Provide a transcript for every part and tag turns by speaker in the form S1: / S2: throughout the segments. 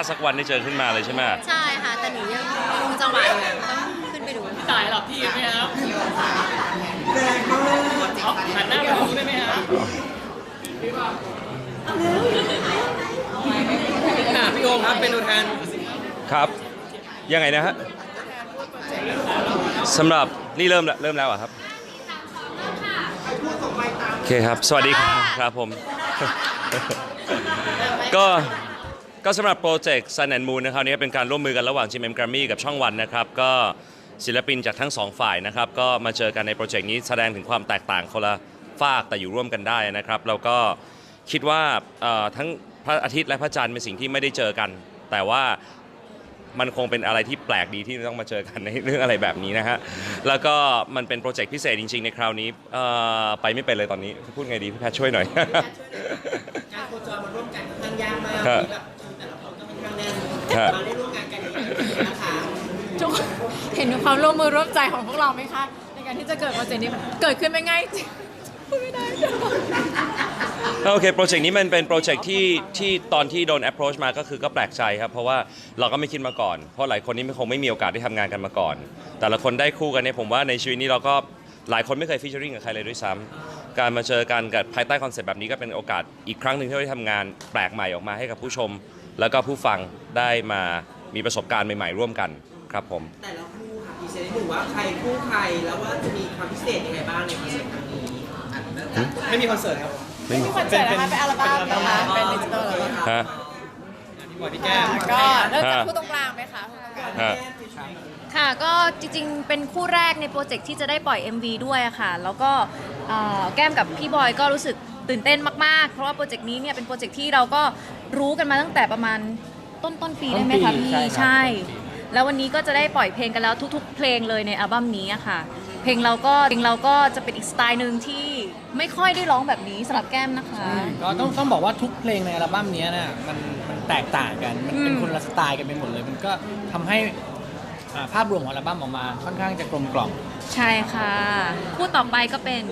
S1: สักวันได้เจอขึ้นมาเลยใช่ไหม
S2: ใช่ค่ะแต่หนูยังคงจังหวะอยู่ต้องขึ้นไปดู
S3: จ่ายหลับพี่ไหมครับหันหน้ามาดูได้ไหมครับพี่โอมครับเป็นตัวแทน
S1: ครับยังไงนะฮะสำหรับนี่เริ่มแล้วอะครับโอเคครับสวัสดีครับผม ก็สำหรับโปรเจกต์ Sun and Moon นะครับนี้เป็นการร่วมมือกันระหว่าง GMM Grammy กับช่องวันนะครับก็ศิลปินจากทั้งสองฝ่ายนะครับก็มาเจอกันในโปรเจกต์นี้แสดงถึงความแตกต่างคนละฝากแต่อยู่ร่วมกันได้นะครับเราก็คิดว่าทั้งพระอาทิตย์และพระจันทร์เป็นสิ่งที่ไม่ได้เจอกันแต่ว่ามันคงเป็นอะไรที่แปลกดีที่ต้องมาเจอกันในเรื่องอะไรแบบนี้นะฮะแล้วก็มันเป็นโปรเจกต์พิเศษจริงๆในคราวนี้ไปไม่เป็นเลยตอนนี้พูดไงดีพี่แพทช่วยหน่อย
S3: การโคจรมาร่วมกันค่อนข้างยากมากแบบแต่ละคนก็ค่อนข้างแน่นมาได้ร่วมงานกันนะคะ
S4: เห็นความร่วมมือร่วมใจของพวกเราไหมคะในการที่จะเกิดโปรเจกต์นี้เกิดขึ้นไม่ง่ายจริงพูดไม่ได้
S1: โอเคโปรเจกต์นี้มันเป็นโปรเจกต์ที่ตอนที่โดน approach มาก็คือก็แปลกใจครับเพราะว่าเราก็ไม่คิดมาก่อนเพราะหลายคนนี่คงไม่มีโอกาสได้ทำงานกันมาก่อนแต่ละคนได้คู่กันเนี่ยผมว่าในชีวิตนี้เราก็หลายคนไม่เคยฟีเจอริ่งกับใครเลยด้วยซ้ำการมาเจอกันกับภายใต้คอนเซ็ปต์แบบนี้ก็เป็นโอกาสอีกครั้งหนึ่งที่เราได้ทำงานแปลกใหม่ออกมาให้กับผู้ชมแล้วก็ผู้ฟังได้มามีประสบการณ์ใหม่ๆร่วมกันครับผม
S3: แต่ละคู่ค่ะพิเศษหนึ่งว่าใครคู่ใครแล้วว่าจะมีความพิเศษยังไงบ้างในคอนเสิร์ตครั้งนี้ไม่มีคอนเสิร์ตครับ
S4: ไม่มีคอนเสิร์ตนะคะเป็นอัลบั้มนะคะเป็นดิจิตอลเลย
S1: ฮะ
S3: พี่บอยพี่แก้ม
S4: ก็เริ่มจากคู่ตรงกลางไหมคะ
S2: ค่ะก็จริงๆเป็นคู่แรกในโปรเจกต์ที่จะได้ปล่อย MV ด้วยค่ะแล้วก็แก้มกับพี่บอยก็รู้สึกตื่นเต้นมากๆเพราะว่าโปรเจกต์นี้เนี่ยเป็นโปรเจกต์ที่เราก็รู้กันมาตั้งแต่ประมาณต้นปีได้ไหมคะพี่ใช่แล้ววันนี้ก็จะได้ปล่อยเพลงกันแล้วทุกๆเพลงเลยในอัลบั้มนี้ค่ะเพลงเราก็จะเป็นอีกสไตล์หนึ่งที่ไม่ค่อยได้ร้องแบบนี้สำหรับแก้มนะคะ
S5: ก็ต้องบอกว่าทุกเพลงในอัลบั้มนี้นะมันแตกต่างกันมันเป็นคนละสไตล์กันไปหมดเลยมันก็ทำให้ภาพรวมของอัลบั้มออกมาค่อนข้างจะกลมกล่อม
S2: ใช่ค่ะคู่ต่อไปก็เป็น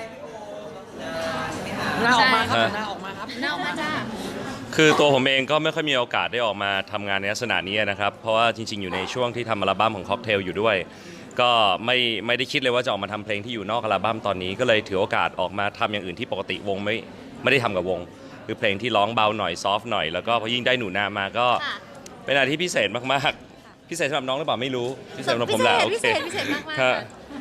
S5: หน้าออกมาครับหน้าออกมาครับ
S2: หน้าออกมาจ้า
S1: คือตัวผมเองก็ไม่ค่อยมีโอกาสได้ออกมาทำงานในลักษณะนี้นะครับเพราะว่าจริงๆอยู่ในช่วงที่ทำอัลบั้มของค็อกเทลอยู่ด้วยก็ไม่ได้คิดเลยว่าจะออกมาทำเพลงที่อยู่นอกอัลบั้มตอนนี้ก็เลยถือโอกาสออกมาทำอย่างอื่นที่ปกติวงไม่ได้ทำกับวงคือเพลงที่ร้องเบาหน่อยซอฟต์หน่อยแล้วก็พอยิ่งได้หนูนามาก็เป็นอะไรที่พิเศษมากๆพิเศษสำหรับน้องหรือเปล่าไม่รู้พิเศษสำหรับผมแหละโอเค
S2: พิเศษมากๆค่ะ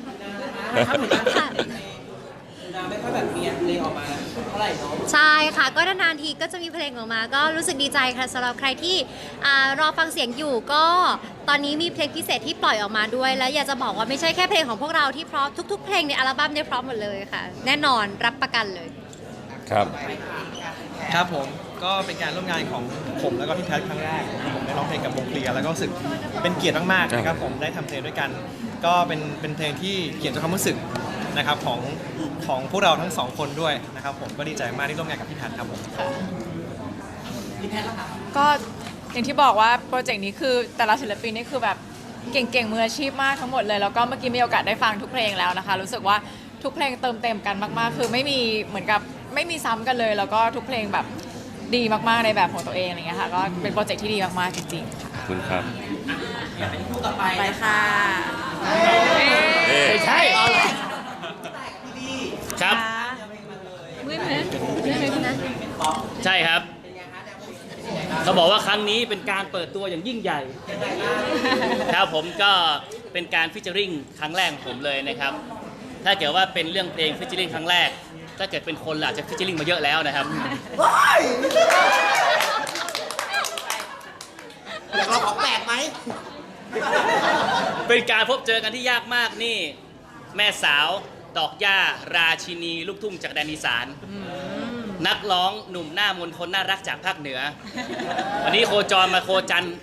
S3: ไม่ค่อยแบบมีเพลงออกมาเท่าไหร่เนาะ
S2: ใช่ค่ะก็นานๆทีก็จะมีเพลงออกมาก็รู้สึกดีใจค่ะสำหรับใครที่รอฟังเสียงอยู่ก็ตอนนี้มีเพลงพิเศษที่ปล่อยออกมาด้วยและอยากจะบอกว่าไม่ใช่แค่เพลงของพวกเราที่เพราะทุกๆเพลงในอัลบั้มเนี่ยเพราะหมดเลยค่ะแน่นอนรับประกันเลย
S1: ครับ
S5: ครับผมก็เป็นการร่วมงานของผมแล้วก็พี่แพทครั้งแรกผมได้ร้องเพลงกับวงเคลียร์แล้วก็รู้สึกเป็นเกียรติมากๆนะครับผมได้ทำเพลงด้วยกันก็เป็นเพลงที่เขียนจากความรู้สึกนะครับของพวกเราทั้งสองคนด้วยนะครับผมก็ดีใจมากที่ร่วมงานกับพี่แพทครับผม
S3: พี่แพทล่ะคะ
S4: ก็อย่างที่บอกว่าโปรเจกต์นี้คือแต่ละศิลปินนี่คือแบบเก่งๆมืออาชีพมากทั้งหมดเลยแล้วก็เมื่อกี้มีโอกาสได้ฟังทุกเพลงแล้วนะคะรู้สึกว่าทุกเพลงเติมเต็มกันมากๆคือไม่มีเหมือนกับไม่มีซ้ำกันเลยแล้วก็ทุกเพลงแบบดีมากๆในแบบของตัวเองอะไรเงี้ยค่ะก็เป็นโปรเจกต์ที่ดีมากๆจริงๆ
S1: ขอบคุณครับ
S3: เป็นคู่ต่อไป
S4: ไปค่ะ
S5: ใช่
S3: ครับใช่ครับเขาบอกว่าครั้งนี้เป็นการเปิดตัวอย่างยิ่งใหญ่ครับผมก็เป็นการฟิชเชอริงครั้งแรกของผมเลยนะครับถ้าเกิดว่าเป็นเรื่องเพลงฟิชเชอริงครั้งแรกถ้าเกิดเป็นคนอาจจะฟิชเชอริงมาเยอะแล้วนะครับ
S5: อยากลองของแปลกไหม
S3: เป็นการพบเจอกันที่ยากมากนี่แม่สาวดอกหญ้าราชินีลูกทุ่งจากแดนอีสานนักร้องหนุ่มหน้ามนคนน่ารักจากภาคเหนือวันนี้โคจรมาโคจัน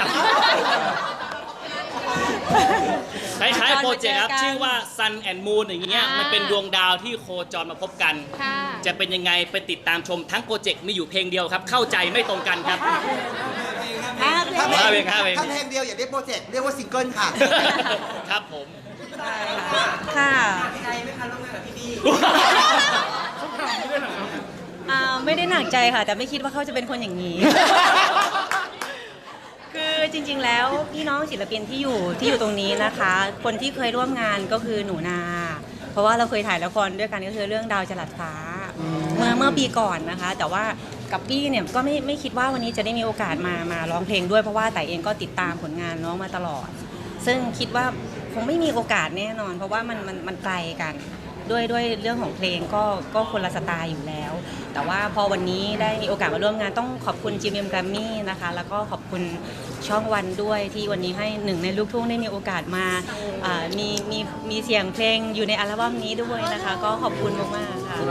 S3: คล้ายๆโปรเจกต์ครับชื่อว่า Sun and Moon อย่างเงี้ยมันเป็นดวงดาวที่โคจรมาพบกันจะเป็นยังไงไปติดตามชมทั้งโปรเจกต์มีอยู่เพลงเดียวครับเข้าใจไม่ตรงกันครับ
S5: ถ้าเพลงเดียวอย่าเรียกโปรเจกต์เรียกว่าซิงเกิลค่ะ
S3: ครับผม
S4: ค่ะ
S3: ใจไหมคะร่วมงานกับพี่ดี
S6: ไม่ได้หนักใจค่ะแต่ไม่คิดว่าเขาจะเป็นคนอย่างนี้คือจริงๆแล้วพี่น้องศิลปินที่อยู่ตรงนี้นะคะ คนที่เคยร่วมงานก็คือหนูนา เพราะว่าเราเคยถ่ายละครด้วยกันก็คือเรื่องดาวจรัสฟ้าเมื่อปีก่อนนะคะ แต่ว่ากับปี้เนี่ยก็ไม่คิดว่าวันนี้จะได้มีโอกาสมาร้องเพลงด้วยเพราะว่าแต่เองก็ติดตามผลงานน้องมาตลอด ซึ่งคิดว่าคงไม่มีโอกาสแน่นอน เพราะว่ามันไกลกันด้วยเรื่องของเพลงก็คนละสไตล์อยู่แล้ว แต่ว่าพอวันนี้ได้มีโอกาสมาร่วมงานต้องขอบคุณ GMM Grammy นะคะแล้วก็ขอบคุณช่องวันด้วยที่วันนี้ให้หนึ่งในลูกทุ่งได้มีโอกาสมามีเสียงเพลงอยู่ในอัลบั้มนี้ด้วยนะคะ ก็ขอบคุณมากๆค่ะ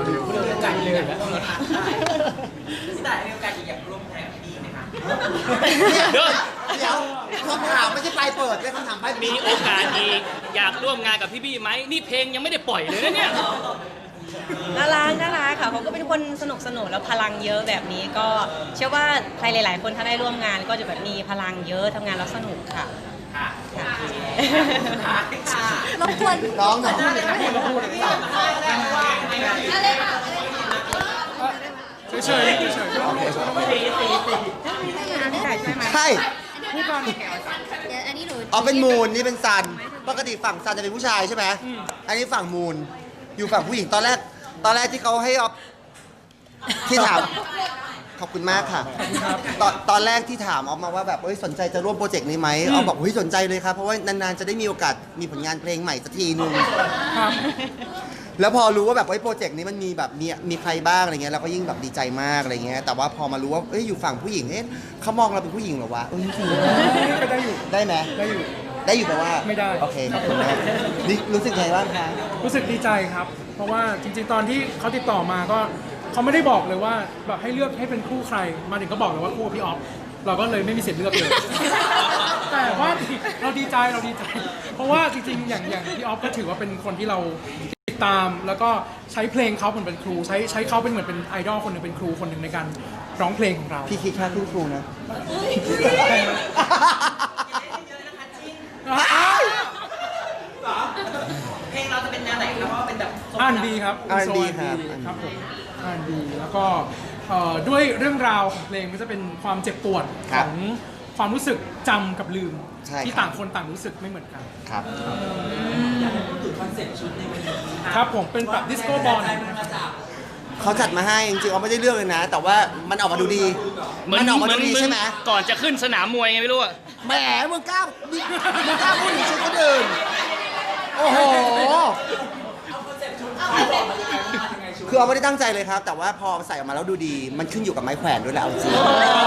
S3: เดี๋ยว
S7: เดี๋ยวคำถามไม่ใช่ปลายเปิดเป็นคำถามปลายปิด
S3: มีโอกาสอีกอยากร่วมงานกับพี่บี้ไหมนี่เพลงยังไม่ได้ปล่อยเลยนะเนี่ย
S6: น่ารักค่ะเขาก็เป็นคนสนุกแล้วพลังเยอะแบบนี้ก็เชื่อว่าใครหลาย ๆ คนถ้าได้ร่วมงานก็จะแบบมีพลังเยอะทำงานแล้วสนุกค่ะรบกวน
S7: ร้องหน่อย
S5: เฉยๆ
S7: ใช่
S2: เดี๋ยวอันนี้หนู
S7: อ๋อเป็นมูนนี่เป็นซัน ปกติฝั่งซันจะเป็นผู้ชายใช่ไหมอันนี้ฝั่งมูนอยู่ฝั่งผู้หญิงตอนแรกที่เขาให้ออฟที่ถามขอบคุณมากค่ะตอนแรกที่ถามออฟมาว่าแบบสนใจจะร่วมโปรเจกต์นี้ไหมออฟบอกเฮ้ยสนใจเลยครับเพราะว่านานๆจะได้มีโอกาสมีผลงานเพลงใหม่สักทีนึงแล้วพอรู้ว่าแบบโปรเจกต์นี้มันมีแบบมีใครบ้างอะไรเงี้ยเราก็ยิ่งแบบดีใจมากอะไรเงี้ยแต่ว่าพอมารู้ว่าอยู่ฝั่งผู้หญิงเขามองเราเป็นผู้หญิงเหรอวะจริงๆก็ได้อยู่ได้ไหมได้อยู่แปลว่าไม่ได้โอเคขอบคุณมากนี่รู้สึกไงบ้างคะ
S8: รู้สึกดีใจครับ เพราะว่าจริงๆ ตอนที่เขาติดต่อมาก็เขาไม่ได้บอกเลยว่าแบบให้เลือกให้เป็นคู่ใคร มาถึงก็บอกเลยว่าคู่พี่ออฟ เราก็เลยไม่มีสิทธิ์เลือกเลย แต่ว่าเราดีใจ เพราะว่าจริงๆ อย่างพี่ออฟก็ถือว่าเป็นคนที่เราติดตาม แล้วก็ใช้เพลงเขาเหมือนเป็นครู ใช้เขาเป็นเหมือนเป็นไอดอลคนหนึ่งเป็นครูคนหนึ่งในการร้องเพลงของเรา
S7: พี่คิดค่าครูนะ
S9: เพลงเราจะเป็นแนวไหนครับว่าเป็นแบบ
S8: R&B ครับ
S7: R&B ครับ
S8: ครับผม R&B แล้วก็ด้วยเรื่องราวของเพลงก็จะเป็นความเจ็บปวด
S7: ครั
S8: ข
S7: บ
S8: องความรู้สึกจำกับลืม
S7: ใช่ครับ
S8: ที่ต่างคนต่างรู้สึกไม่เหมือนกัน
S7: ครับ
S8: ครับผมเป็นแบบดิสโก้บอล
S7: เขาจัดมาให้จริงๆเขาไม่ได้เลือกเลยนะ แต่ว่ามันออกมาดูดี มันออกมาดูดีใช่ไหม
S3: ก่อนจะขึ้นสนามมวยไงไม่รู้อะ
S7: แหมมึงกล้าพูดถึงชุดคนอื่นโอ้โห คือเอาไม่ได้ตั้งใจเลยครับ แต่ว่าพอใส่ออกมาแล้วดูดี มันขึ้นอยู่กับไม้แขวนด้วยแหละเอาจริง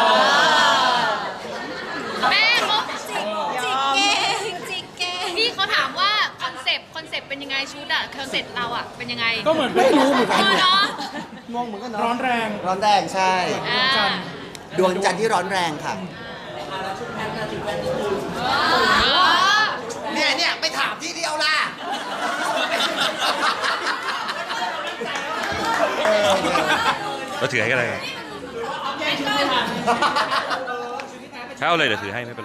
S2: แม่เขาจิกเก่งพี่เขาถามว่าคอนเซปต์เป็นยังไงชุดอะคอนเซปต์เราอะเป็นยังไง
S8: ก็เหมือน
S7: ไม่รู้เหมือนกัน
S2: เนาะ
S7: งงเหมือนกันเนาะ
S8: ร้อนแรง
S7: ร้อนแรงใช่
S2: อ่า
S7: ดวงจันทร์ที่ร้อนแรงค่ะ เนี่ยไปถามที่เดียวล่ะ
S1: เราถือให้ก็ได้ครับถ้าเอาเลยเดี๋ยวถือให้ไม่เป็นไร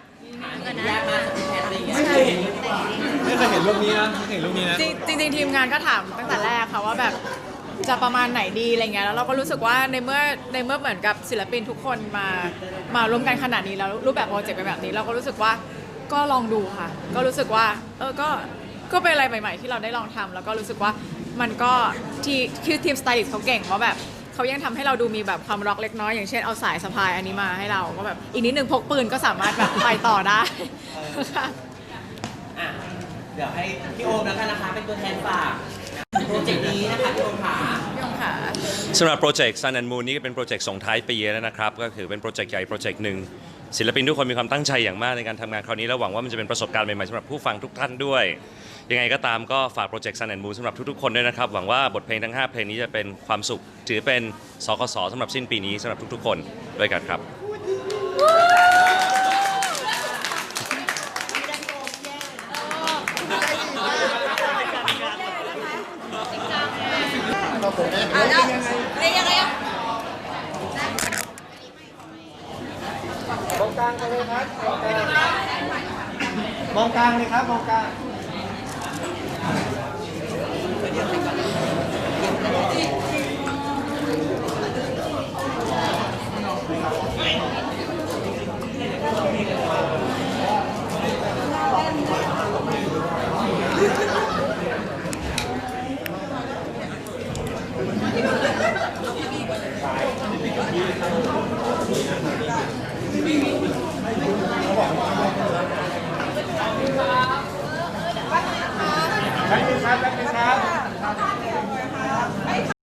S5: ไม่เคยเห็นรูปนี้นะไม่เคยเห็นรูปนี้นะ
S4: จริงๆทีมงานก็ถามตั้งแต่แรกค่ะว่าแบบจะประมาณไหนดีอะไรเงี้ยแล้วเราก็รู้สึกว่าในเมื่อเหมือนกับศิลปินทุกคนมาร่วมกันขนาดนี้แล้วรูปแบบโปรเจกต์เป็นแบบนี้เราก็รู้สึกว่าก็ลองดูค่ะ ก็รู้สึกว่าก็เป็นอะไรใหม่ๆ ที่เราได้ลองทำแล้วก็รู้สึกว่ามันก็คือทีมสไตลิสต์เขาเก่งว่าแบบเขายังทำให้เราดูมีแบบความร็อกเล็กน้อยอย่างเช่นเอาสายสะพายอันนี้มาให้เราก็แบบอีกนิดนึงพกปืนก็สามารถแบบไปต่อได้ค่ะ
S9: อ่ะเดี๋ยวให้พี่โอมแล้วกันนะคะเป็นตัวแทนฝากโปรเจกต์นี้นะคะพี่โอมค่ะ
S4: พี่องค่ะ
S1: สำหรับโปรเจกต์ Sun and Moon นี่ก็เป็นโปรเจกต์ส่งท้ายปีแล้วนะครับ ก็คือเป็นโปรเจกต์ใหญ่โปรเจกต์หนึ่งศิลปินทุกคนมีความตั้งใจอย่างมากในการทำงานคราวนี้และหวังว่ามันจะเป็นประสบการณ์ใหม่ๆสำหรับผู้ฟังทุกท่านด้วย ยังไงก็ตามก็ฝากโปรเจกต์ Sun and Moon สำหรับทุกๆคนด้วยนะครับ หวังว่าบทเพลงทั้ง 5 เพลงนี้จะเป็นความสุข ถือเป็นสคสสำหรับสิ้นปีนี้สำหรับทุกๆคนด้วยกันครับ
S2: แล้วเป็นยังไงอะ
S7: มองกลางกันเลยครับ มองกลางเลยครับ มองกลาง
S8: ครับแป๊บนึงครับ